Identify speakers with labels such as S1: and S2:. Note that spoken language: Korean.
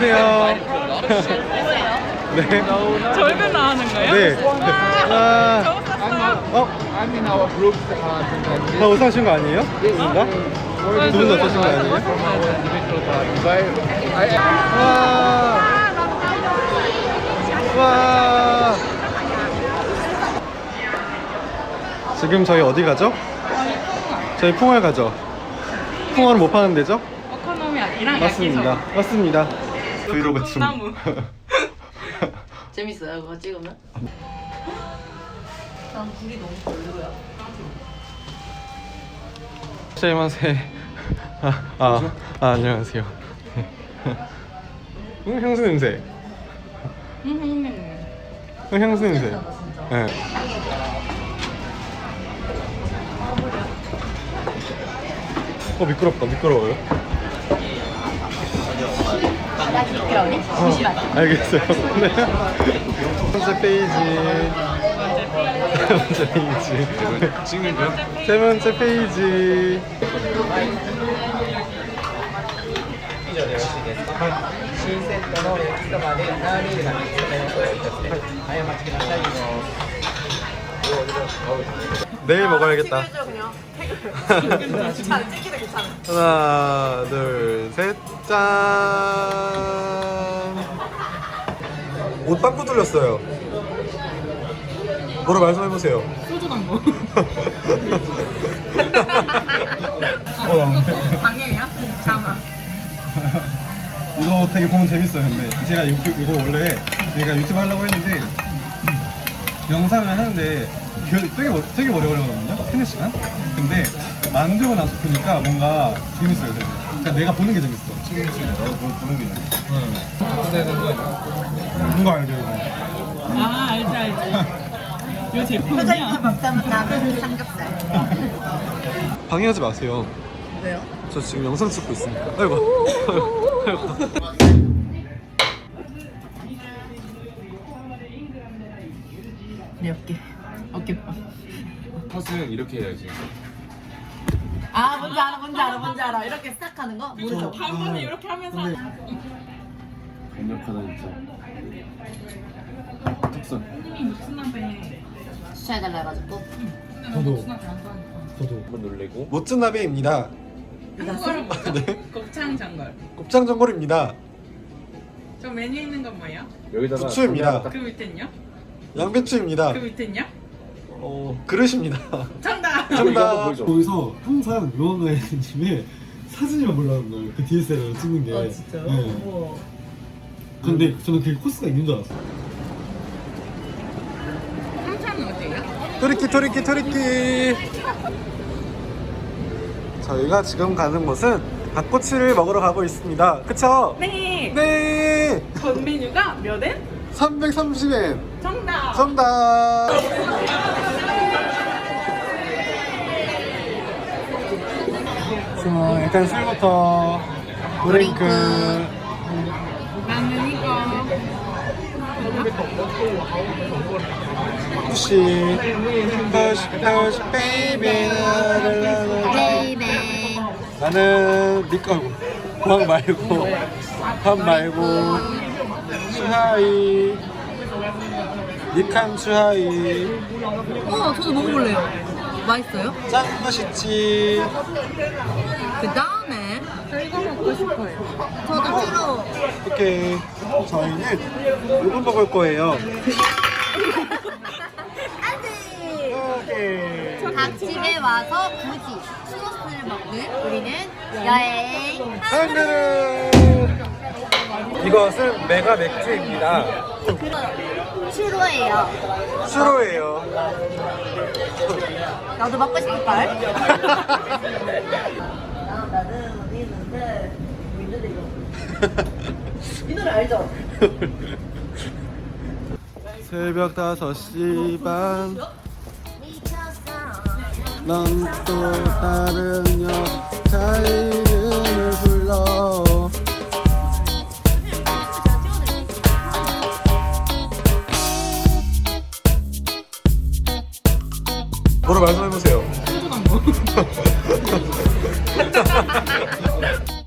S1: 안녕하세요. 네.
S2: 절벽 나가는 거예요?
S1: 네. 와.
S2: 저거 샀어요?
S3: I'm in our group.
S1: 다 옷 사신 거 아니에요? 누군가? 두 분 다 사신 거 아니에요? 와. 와. 지금 저희 어디 가죠? 저희 풍월 가죠. 풍월은 못 파는 데죠?
S2: 오코노미야끼랑
S1: 맞습니다. 맞습니다. 브이로그 춤.
S2: 나무.
S4: 재밌어요 그거 찍으면? 난 불이 너무 별로야.
S1: 쉐이마세. 안녕하세요. 향수 냄새. 향수 냄새. 네. 미끄럽다. 미끄러워요.
S4: 미끄러우니? 조심하자.
S1: 알겠어요. 네. 세 번째 페이지. 세 번째 페이지.
S3: 찍는 거요?
S1: 세 번째 페이지. 내일 먹어야겠다. 하나, 둘, 셋, 짠. 옷 빵꾸 뚫렸어요. 뭐라 말씀해보세요.
S2: 소주 담고. 방해야? 잠아.
S1: 이거 되게 보면 재밌어요. 근데 제가 이거 원래 제가 유튜브 하려고 했는데 영상을 하는데 되게 오래 걸리거든요. 3-4시간? 근데 만들고 나서 보니까 뭔가 재밌어요. 되게. 그러니까 내가 보는 게 재밌어. 나도 보는 게 재밌어. 뭔가 알죠 이거?
S2: 아 알지. 이거 제품이야.
S4: 먹자면 나는 삼겹살.
S1: 방해하지 마세요.
S4: 왜요?
S1: 저 지금 영상 찍고 있으니까. 아이고. 아이고.
S4: 몇 개? 어깨빵.
S3: 컷은 이렇게 해야지.
S4: 아 뭔지 알아. 이렇게 싹 하는 거? 모르죠?
S2: 한 번에 이렇게 하면서.
S3: 강력하다 진짜. 특선.
S2: 손님이 목수나베.
S4: 추천해달라 해가지고.
S1: 저도.
S2: 목수나베 안 좋아하니까.
S1: 저도.
S3: 한번 놀래고.
S1: 멋진 나베입니다.
S2: 한국어를 뭐죠?
S1: 네.
S2: 곱창 전골.
S1: 곱창 전골입니다.
S2: 저 메뉴 있는 건 뭐예요?
S3: 여기다가
S1: 부추입니다.
S2: 그 밑엔요?
S1: 양배추입니다.
S2: 그 밑엔요?
S1: 그릇입니다.
S2: 정답!
S3: 이거 한번 보여줘.
S5: 거기서 항상 묘한가의 집에 사진이만 보려는 거예요. 그 DSLR로 찍는 게.
S4: 아 진짜요?
S5: 네.
S4: 우와.
S5: 근데 저는 그게 코스가 있는 줄 알았어요.
S2: 삼차는 어디예요?
S1: 토리끼. 저희가 지금 가는 곳은 닭꼬치를 먹으러 가고 있습니다. 그쵸?
S2: 네!
S1: 네.
S2: 전 메뉴가 몇 엔?
S1: 330엔.
S2: 정답!
S1: 정답. 자, 일단 술부터 드링크.
S2: 나는 이거.
S1: 푸시 베이비. 나는 밥 말고 추하이 니칸 추하이
S4: 저도 먹어볼래요. 맛있어요?
S1: 짱 맛있지.
S4: 그 다음에 저 이거 먹고 싶어요. 저도 싫어.
S1: 오케이, 저희는 이거 먹을 거예요.
S4: 안돼.
S1: 오케이.
S4: 닭집에 와서 굳이 추어스를 먹는 우리는 여행.
S1: 한그릇. 이것은 메가 맥주입니다.
S4: 추로예요.
S1: 슈로예요.
S4: 나도 먹고 싶을걸? 이 노래 알죠?
S1: 새벽 5시 반. 넌 또 다른 여자 이름을 불러. 뭐라 말씀해보세요.
S2: 소주 담고.